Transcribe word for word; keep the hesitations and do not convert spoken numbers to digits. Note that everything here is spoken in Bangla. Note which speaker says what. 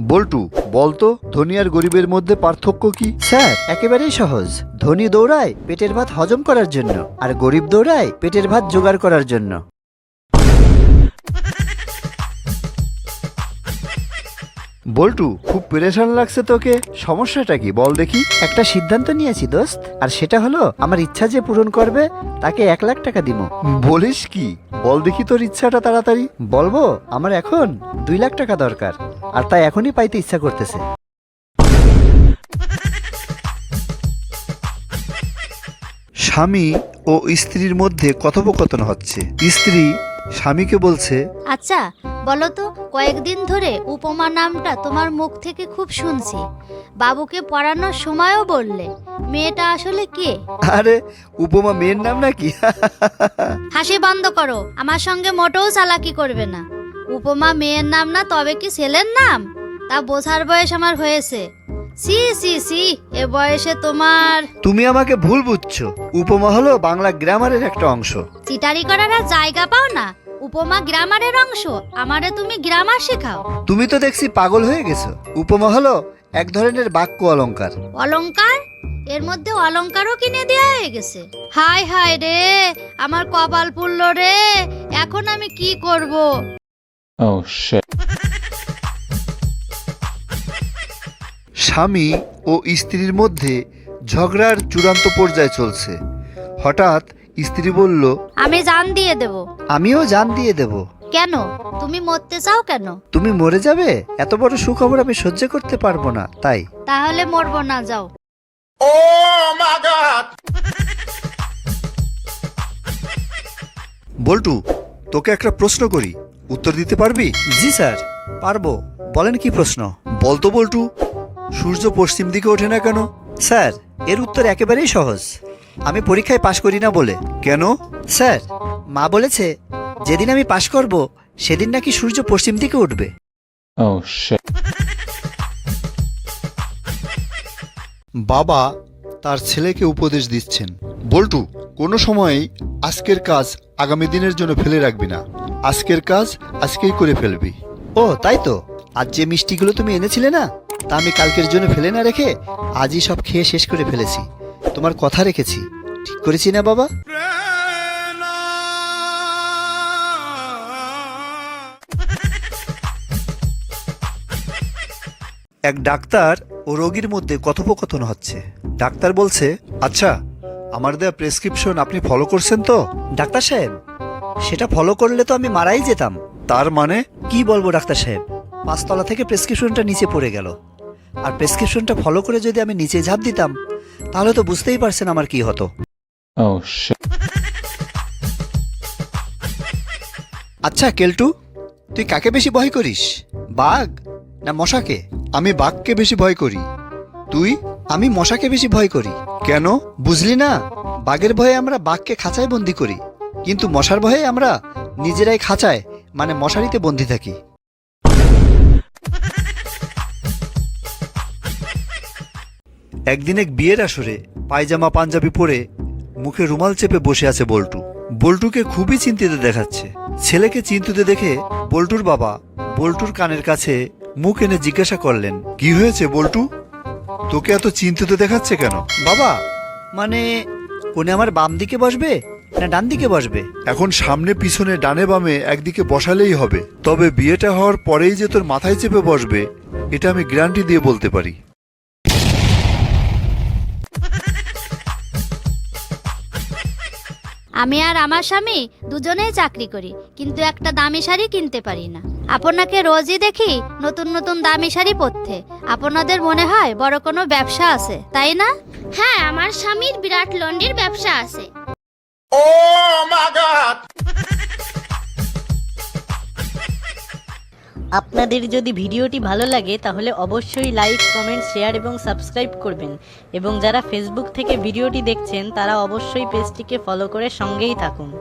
Speaker 1: বল্টু, বলতো ধনী আর গরিবের মধ্যে পার্থক্য কি?
Speaker 2: স্যার একেবারেই সহজ। ধনী দৌড়ায় পেটের ভাত হজম করার জন্য, আর গরিব দৌড়ায় পেটের ভাত জোগাড় করার জন্য।
Speaker 1: বল্টু, খুব পেরেশান লাগছে তোকে, সমস্যাটা কি বল দেখি?
Speaker 2: একটা সিদ্ধান্ত নিয়েছি দোস্ত, আর সেটা হলো আমার ইচ্ছা যে পূরণ করবে তাকে এক লাখ টাকা দিব।
Speaker 1: বলিস কি? বল দেখি তোর ইচ্ছাটা তাড়াতাড়ি।
Speaker 2: বলবো, আমার এখন দুই লাখ টাকা দরকার, আর তাই এখনই পাইতে ইচ্ছা করতেছে।
Speaker 1: স্বামী ও স্ত্রীর মধ্যে কথোপকথন হচ্ছে। স্ত্রী স্বামীকে বলছে,
Speaker 3: আচ্ছা বলো তো, কয়েকদিন ধরে উপমা নামটা তোমার মুখ থেকে খুব শুনছি। বাবুকে পড়ানোর সময়ও বললে, মেয়েটা আসলে কে?
Speaker 1: আরে উপমা মেয়ের নাম নাকি?
Speaker 3: হাসি বন্ধ করো, আমার সঙ্গে মোটেও চালাকি করবে না। উপমা মেয়ের নাম না, তবে কি ছেলের নাম? তা বোঝার বয়স আমার হয়েছে। সি সি সি, এ বয়সে তোমার।
Speaker 1: তুমি আমাকে ভুল বুঝছো। উপমা হলো বাংলা গ্রামারের একটা অংশ।
Speaker 3: চিটারি করার আর জায়গা পাও না। উপমা গ্রামারের অংশ, আমারে তুমি গ্রামার শেখাও।
Speaker 1: তুমি তো দেখছি পাগল হয়ে গেছো। উপমা হলো এক ধরনের বাক্য অলংকার।
Speaker 3: অলংকার? এর মধ্যে অলংকারও কিনে দেয়া হয়ে গেছে। হায় হায় রে, আমার কপাল পুড়ল রে, এখন আমি কি করব?
Speaker 4: Oh shit.
Speaker 1: স্বামী ও স্ত্রীর মধ্যে ঝগড়ার চূড়ান্ত পর্যায়ে চলছে। হঠাৎ স্ত্রী বলল,
Speaker 3: আমি জান দিয়ে দেব।
Speaker 2: আমিও জান দিয়ে দেব।
Speaker 3: কেন? তুমি মরতে চাও কেন?
Speaker 2: তুমি মরে যাবে? এত বড় সুখবর আমি সহ্য করতে পারবো না, তাই।
Speaker 3: তাহলে মরবো না, যাও।
Speaker 1: বল্টু, তোকে একটা প্রশ্ন করি, উত্তর দিতে পারবি?
Speaker 2: জি স্যার, পারবো। বলেন কি প্রশ্ন?
Speaker 1: বলতো বল্টু, সূর্য পশ্চিম দিকে ওঠে না কেন?
Speaker 2: স্যার এর উত্তর একেবারেই সহজ। আমি পরীক্ষায় পাশ করি না বলে।
Speaker 1: কেন?
Speaker 2: স্যার, মা বলেছে যেদিন আমি পাশ করব সেদিন নাকি সূর্য পশ্চিম দিকে উঠবে।
Speaker 4: Oh shit.
Speaker 1: বাবা তার ছেলেকে উপদেশ দিচ্ছেন, বল্টু, কোনো সময়ই আজকের কাজ আগামী দিনের জন্য ফেলে রাখবি না। আজকের কাজ আজকেই করে ফেলবি।
Speaker 2: ও তাই তো, আজ যে মিষ্টিগুলো তুমি এনেছিলে না, তা আমি কালকের জন্য ফেলে না রেখে আজই সব খেয়ে শেষ করে ফেলেছি। তোমার কথা রেখেছি, ঠিক করেছি না বাবা?
Speaker 1: এক ডাক্তার ও রোগীর মধ্যে কথোপকথন হচ্ছে। ডাক্তার বলছে, আচ্ছা, আমার দেয়া প্রেসক্রিপশন আপনি ফলো করছেন তো?
Speaker 2: ডাক্তার সাহেব, সেটা ফলো করলে তো আমি মারাই যেতাম।
Speaker 1: তার মানে?
Speaker 2: কি বলবো ডাক্তার সাহেব, পাঁচতলা থেকে প্রেসক্রিপশনটা নিচে পড়ে গেল। আর প্রেসক্রিপশনটা ফলো করে যদি আমি নিচে ঝাঁপ দিতাম, তাহলে তো বুঝতেই পারছেন আমার কি হতো।
Speaker 4: Oh shit.
Speaker 2: আচ্ছা কেলটু, তুই কাকে বেশি ভয় করিস, বাঘ না মশাকে?
Speaker 1: আমি বাঘকে বেশি ভয় করি। তুই?
Speaker 2: আমি মশাকে বেশি ভয় করি।
Speaker 1: কেন?
Speaker 2: বুঝলি না, বাঘের ভয়ে আমরা বাঘকে খাঁচায় বন্দি করি, কিন্তু মশার ভয়ে আমরা নিজেরাই খাঁচায় মানে মশারিতে বন্দি থাকি।
Speaker 1: একদিন এক বিয়ের আসরে পায়জামা পাঞ্জাবি পরে মুখে রুমাল চেপে বসে আছে বল্টু। বল্টুকে খুবই চিন্তিত দেখাচ্ছে। ছেলেকে চিন্তিত দেখে বল্টুর বাবা বল্টুর কানের কাছে মুখ এনে জিজ্ঞাসা করলেন, কি হয়েছে বল্টু? তোকে এত চিন্তিত দেখাচ্ছে কেন?
Speaker 2: বাবা, মানে কোনে আমার বাম দিকে বসবে না ডান দিকে বসবে?
Speaker 1: এখন সামনে পিছনে ডানে বামে একদিকে বসালেই হবে, তবে বিয়েটা হওয়ার পরেই যে তোর মাথায় চেপে বসবে এটা আমি গ্যারান্টি দিয়ে বলতে পারি।
Speaker 3: আমি আর আমার স্বামী দুজনেই চাকরি করি, কিন্তু একটা দামি শাড়ি কিনতে পারি না। আপনাকে রোজই দেখি নতুন নতুন দামি শাড়ি পরতে। আপনাদের মনে হয় বড় কোনো ব্যবসা আছে, তাই না?
Speaker 5: হ্যাঁ, আমার স্বামীর বিরাট লন্ড্রির ব্যবসা আছে।
Speaker 6: আপনাদের যদি ভিডিওটি ভালো লাগে তাহলে অবশ্যই লাইক, কমেন্ট, শেয়ার এবং সাবস্ক্রাইব করবেন, এবং যারা ফেসবুক থেকে ভিডিওটি দেখছেন তারা অবশ্যই পেজটিকে ফলো করে সঙ্গেই থাকুন।